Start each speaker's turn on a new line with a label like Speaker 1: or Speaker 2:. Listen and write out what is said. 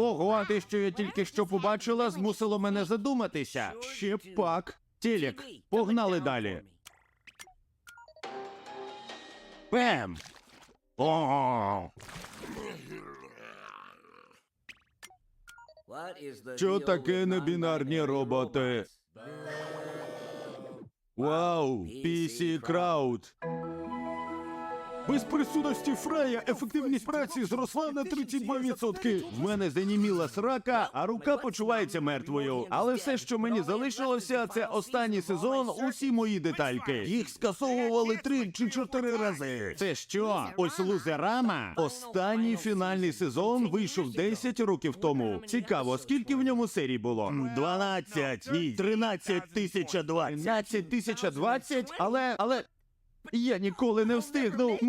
Speaker 1: Ого, те, що я тільки що побачила, змусило мене задуматися. Ще пак. Телек, погнали далі. Бем! О! Що таке небінарні роботи? Вау, PC Crowd. Без присутності Фрея ефективність праці зросла на 32%. В мене заніміла срака, а рука почувається мертвою. Але все, що мені залишилося, це останній сезон, усі мої детальки. Їх скасовували 3 чи 4 рази. Це що? Ось Лузерама? Останній фінальний сезон вийшов 10 років тому. Цікаво, скільки в ньому серій було? 12. Ні, 13 020. 13 020? Але... Я ніколи не встигну.